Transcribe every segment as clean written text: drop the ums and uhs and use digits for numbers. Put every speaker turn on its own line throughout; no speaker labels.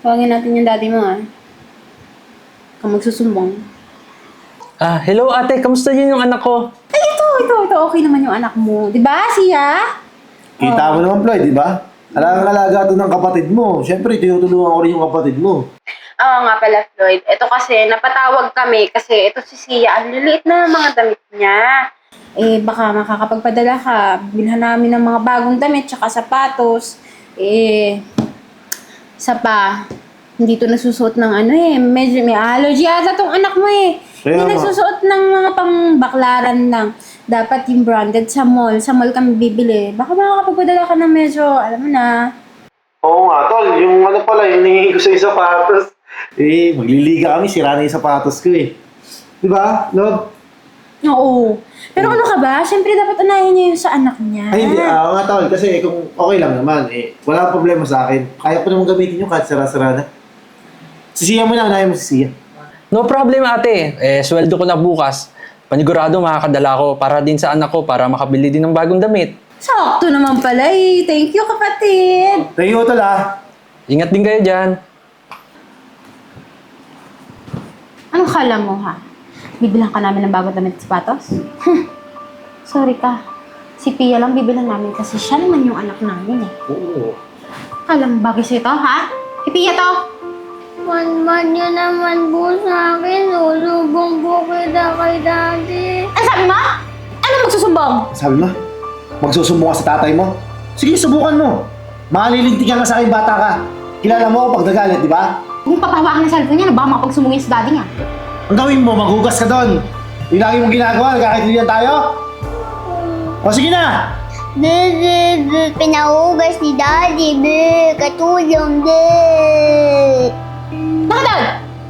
Tawagin natin yung daddy mo, ah. Kung magsusumbong.
Hello ate, kamusta yun yung anak ko?
Ay, ito. Okay naman yung anak mo. Di ba, siya?
Kita mo naman, Floyd, di ba? Alaga to ng kapatid mo. Siyempre, tinutulungan ko rin yung kapatid mo.
Oo nga pala, Floyd. Ito kasi, napatawag kami kasi ito si Sia. Ang liliit na mga damit niya. Eh, baka makakapagpadala ka. Bilhan namin ng mga bagong damit tsaka sapatos. Isa pa, hindi to nasusuot ng medyo may allergy ata tong anak mo eh.
Kaya
Hindi
nga.
nagsusuot ng mga pangbaklaran lang. Dapat yung branded sa mall. Sa mall kami bibili. Baka makakapagpadala ka ng medyo, alam mo na.
Oo nga, tol. Yung ano pala, yung nangingi ko sa sapatos. Magliliga kami, sira na yung sapatos ko eh. Di ba, love?
Oo. Pero ano ka ba? Siyempre dapat unahin niya yung sa anak niya.
Ay, hindi. Oo nga, tol. Kasi kung okay lang naman, wala problema sa akin. Kaya pa naman gamitin yung kahit sira-sira na. Sisiya mo na, unahin mo si Sia.
No problem ate, sweldo ko na bukas. Panigurado makakadala ko para din sa anak ko para makabili din ng bagong damit.
Sakto naman pala eh. Thank you, kapatid.
Thank you, tol ah.
Ingat din kayo dyan.
Anong kala mo, ha? Bibilang ka namin ng bagong damit at sapatos? Sorry ka. Si Pia lang bibilang namin kasi siya naman yung anak namin eh.
Oo.
Kala mo bagay sa'yo to, ha? Si Pia to!
Man nyo naman po sa akin. Ulubong po kita kay daddy.
Ano sabi mo? Ano magsusumbong?
Sabi mo, magsusumbong ka sa tatay mo? Sige, subukan mo. Malilintikan ka sa akin, bata ka. Kilala mo ako pag nagalit, di ba?
Kung papahawakan ng cellphone niya, baka makapagsumbungin sa daddy niya.
Ang gawin mo, maghugas ka doon. Yung lagi mong ginagawa, nagkakaintindihan tayo? O sige na!
Pinahugas ni daddy. Katulong.
Nakatawad!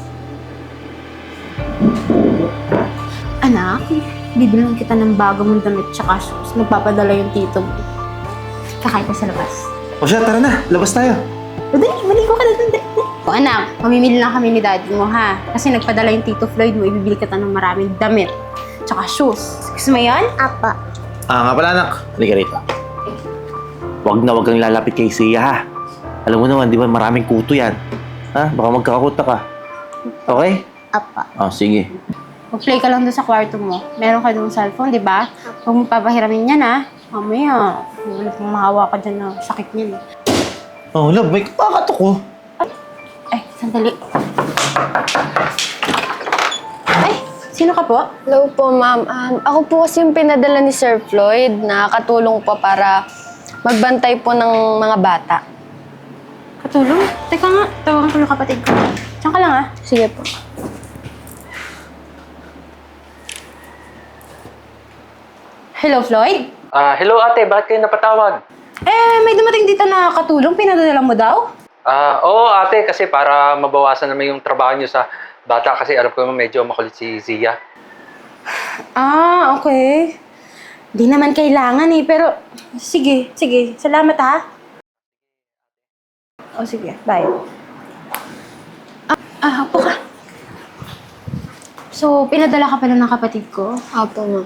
Anak, bibilang kita ng bago mong damit tsaka shoes. Magpapadala yung tito mo. Kakain ka sa labas.
O siya, tara na. Labas tayo.
O dali, maligo ka na dun. O anak, mamimili lang kami ni daddy mo ha. Kasi nagpadala yung tito Floyd mo, ibibili kita ng maraming damit. Tsaka shoes. Gusto mo yun?
Apa.
Nga pala anak. Halika rito. Huwag kang lalapit kay Sia ha. Alam mo naman, di ba maraming kuto yan. Ha? Baka magkakakuta ka. Okay?
Apa.
Sige.
Mag-play ka lang doon sa kwarto mo. Meron ka doon cellphone, di ba? Huwag mo papahiramin yan ha. Mamaya, wala pong mahawa ka dyan na sakit niyan.
Oh, love, may kapakatok ko.
Ay, sandali. Ay, sino ka po?
Hello po, ma'am. Ako po kasi yung pinadala ni Sir Floyd na katulong po para magbantay po ng mga bata.
Katulong? Teka nga, tawagan ko yung kapatid ko. Diyan ka lang ah.
Sige po.
Hello, Floyd?
Hello ate, bakit kayo napatawag?
May dumating dito na katulong, pinadala mo daw?
Oo ate, kasi para mabawasan naman yung trabaho niyo sa bata kasi alam ko naman medyo makulit si Zia.
Okay. Di naman kailangan eh, pero sige. Salamat ha. Sige, bye. Upo ka. So, pinadala ka pala ng kapatid ko?
Apo, ma'am.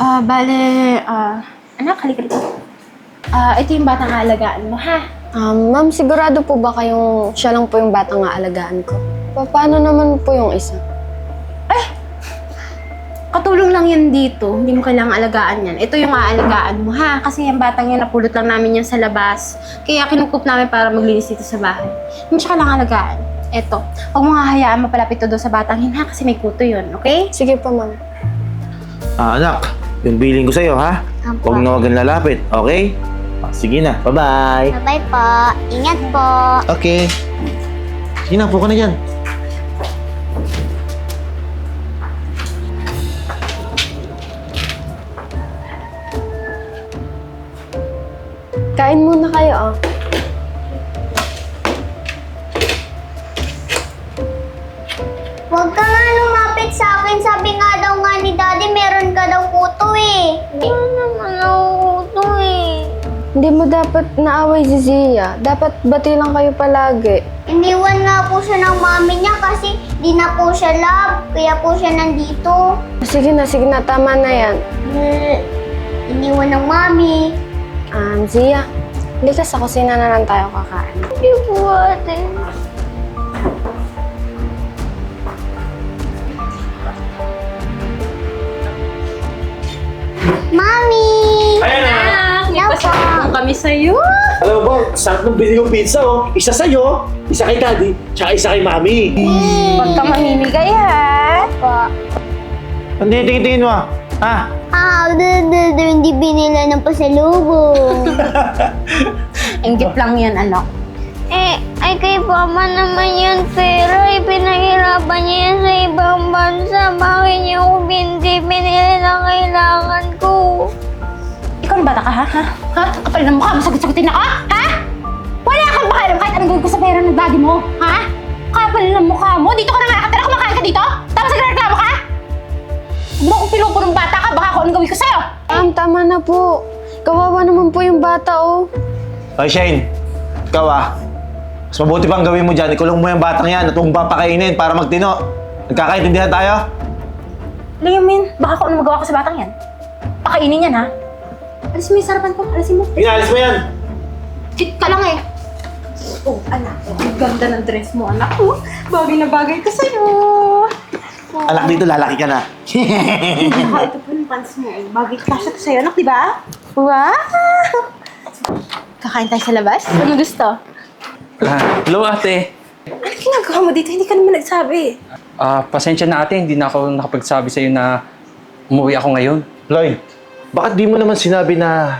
Anak, halika dito. Ito yung batang aalagaan mo, ha?
Ma'am, sigurado po ba kayong siya lang po yung batang aalagaan ko? Paano naman po yung isa?
Katulong lang yan dito. Hindi mo kailangang alagaan yan. Ito yung aalagaan mo, ha? Kasi yung batang yan, napulot lang namin yan sa labas. Kaya kinukup namin para maglinis dito sa bahay. Hindi mo siya kailangang alagaan. Ito. Huwag mo nga hayaan mapalapit to doon sa batang yun, ha? Kasi may kuto yun, okay?
Sige po, ma'am.
Anak, yung billing ko sa'yo ha. Huwag na huwag kang lalapit, okay? Sige na, bye-bye.
Bye po. Ingat po.
Okay. Sige na, puka na dyan.
Kain muna kayo, oh.
Huwag ka nga lumapit sa akin. Sabi nga daw nga ni daddy, meron ka daw kuto eh. Wala naman ako kuto eh.
Hindi mo dapat naaway si Zia. Dapat bati lang kayo palagi.
Iniwan nga po siya ng mami niya kasi di na po siya love. Kaya po siya nandito.
Sige na, tama na yan.
Iniwan ng mami.
Zia, hindi ka sa kusina na lang tayo kakain.
Hindi po ate.
sa'yo.
Alam mo ba, sarap ng binili kong pizza, oh. Isa sa'yo, isa kay Daddy, tsaka isa kay Mami.
Huwag ka mamimigay, ha?
Hindi, tingin mo, ah. Ha?
Hindi binila ng pasalubong.
Inggit lang yan, anak.
Ay kay Papa naman yan pera. Pinahirapan niya yan sa ibang bansa. Bakit niya ako binili na kailangan ko?
Ikaw na bata ka, ha? Ha? Kapal ng mukha mo, sagot-sagutin ako, ha? Wala kang pakialam kahit anong gawin ko sa pera ng daddy mo, ha? Kapal ng mukha mo, dito ka na nga nakatira, kumakain ka dito? Tapos nagreklamo ka? Huwag mo akong pinupunong bata ka, baka ako anong gawin ko sa'yo.
Tama na po. Kawawa naman po yung bata, oh.
Ay, Shane. Ikaw, ah. Mas mabuti pang gawin mo dyan. Ikulong mo yung batang yan at huwag mong papakainin para magtino. Nagkakaintindihan tayo?
Liamin, baka ako anong magawa ko sa batang yan. Pakainin yan, ha? Alisin mo yung sarapan ko, alisin mo.
Inalis mo yan!
Chit ka lang eh. Oh, anak, ang ganda ng dress mo, anak. Oh, bagay na bagay ko sa'yo.
Anak dito, lalaki ka na.
Saka ito po yung pants mo. Eh. Bagay kasha to sa'yo, anak, di ba? Wow! Kakain tayo sa labas? Ano gusto?
Hello, ate.
Ano ginagawa mo dito? Hindi ka naman nagsabi.
Pasensya na ate, hindi na ako nakapagsabi sa'yo na umuwi ako ngayon.
Lloyd, bakit di mo naman sinabi na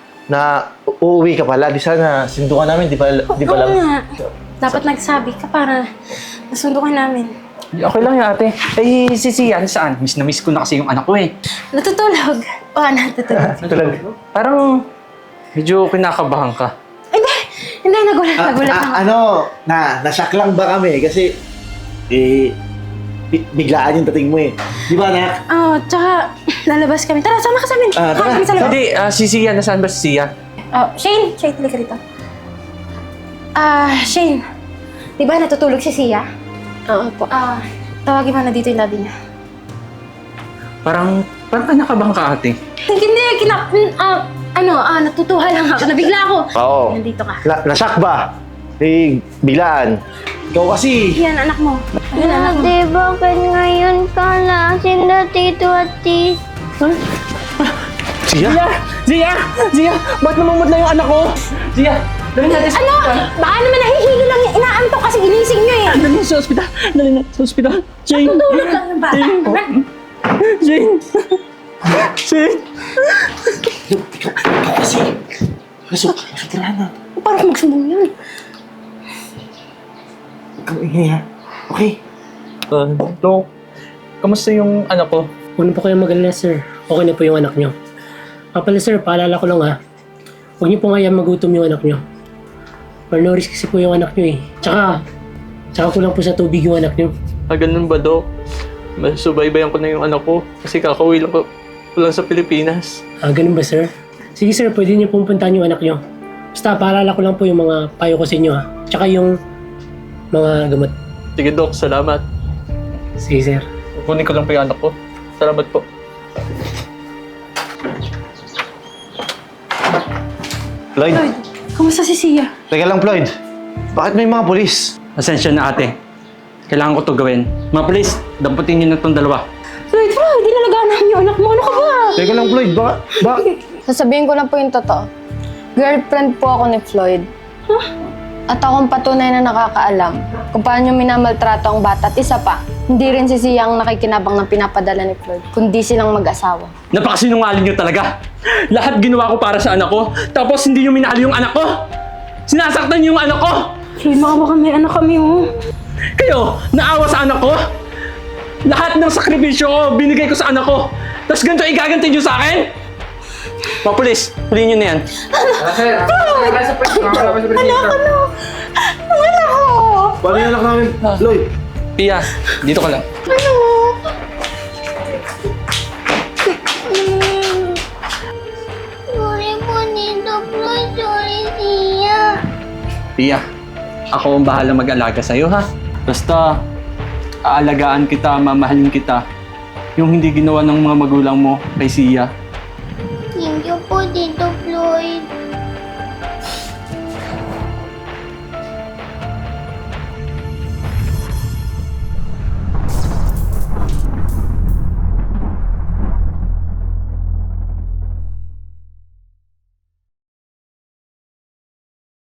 uuwi ka pala? Di sana sindukan namin, di pa
Oo
lang.
nga. Dapat nagsabi ka para nasundukan namin.
Okay lang yun, ate. Eh, si Sian, saan? Miss na miss ko na kasi yung anak ko eh.
Natutulog. Oo, natutulog.
Tulag.
Parang medyo kinakabahan ka.
Hindi, nagulat lang.
Nashock lang ba kami? Kasi, biglaan yung dating mo eh. Di ba, anak?
Oo, tsaka lalabas kami. Tara, sama ka sa amin.
Tara.
Kami sa labas.
Hindi, si Sian, nasaan ba si Sian?
Oh, Shane, halika rito. Shane, di ba natutulog si Sia?
Oo po.
Tawagin mo na dito yung daddy niya.
Parang kinakabahan ka, ate.
Hindi, natutuwa lang ako. Nabigla ako.
Oo.
Nandito ka.
Nashock ba? Biglaan. Ikaw kasi.
Yan, anak mo. Yan, anak mo.
Ate, bakit ngayon ka lasin na tito at
Siya?
Zia! Ba't namumudla yung anak ko? Zia! Dali natin sa
Ano? Baka naman nahihilo lang yung inaantok kasi ginising niyo eh.
Dali sa ospital! Dali na sa ospital! Jane!
Tutulog lang yung bata.
Jane! Jane!
Ikaw kasi. Nasuturahan na.
Parang magsumbong yun.
Ikaw ingay ha. Okay.
Dok, kamusta yung anak ko?
Huwag na po kayong mag-alala, sir. Okay na po yung anak nyo. Pala, sir, paalala ko lang ha. Huwag niyo po nga magutom yung anak nyo. Malnourished kasi po yung anak nyo eh. Tsaka kulang po sa tubig yung anak nyo.
Ganun ba, Dok? Masubaybayan ko na yung anak ko kasi kakauwi lang ko lang sa Pilipinas.
Ganun ba, sir? Sige, sir, pwede niyo pumuntahan yung anak nyo. Basta paalala ko lang po yung mga payo ko sa inyo ha. Tsaka yung mga gamot.
Sige, Dok. Salamat.
Sige, sir.
Kunin ko lang pa yung anak ko. Salamat po.
Floyd.
Kamusta si Sia?
Teka lang, Floyd. Bakit may mga polis?
Pasensya na, ate. Kailangan ko to gawin. Mga polis, damputin niyo na itong dalawa.
Floyd, dinalagaan namin yung anak mo. Ano ka ba?
Teka lang, Floyd. Bakit?
Sasabihin ko lang po yung totoo. Girlfriend po ako ni Floyd. At akong patunay na nakakaalam kung paano minamaltrato ang bata. At isa pa, hindi rin si Sia ang nakikinabang ng pinapadala ni Floyd, kundi silang mag-asawa.
Napakasinungaling niyo talaga. Lahat ginawa ko para sa anak ko, tapos hindi niyo minahal yung anak ko. Sinasaktan niyo yung anak ko.
Floyd, maawa kami. Anak kami, oh.
Kayo, naawa sa anak ko. Lahat ng sakripisyo ko, binigay ko sa anak ko. Tapos ganito igaganti niyo sa akin? Mga pulis, huliin niyo na yan.
Paano yung anak namin? Floyd.
Pia, dito ka lang.
Sorry po, Tito Floyd. Sorry, Sia.
Pia, ako ang bahala mag-alaga sa'yo, ha? Basta, aalagaan kita, mamahalin kita. Yung hindi ginawa ng mga magulang mo kay Sia.
Thank you po, Tito Floyd.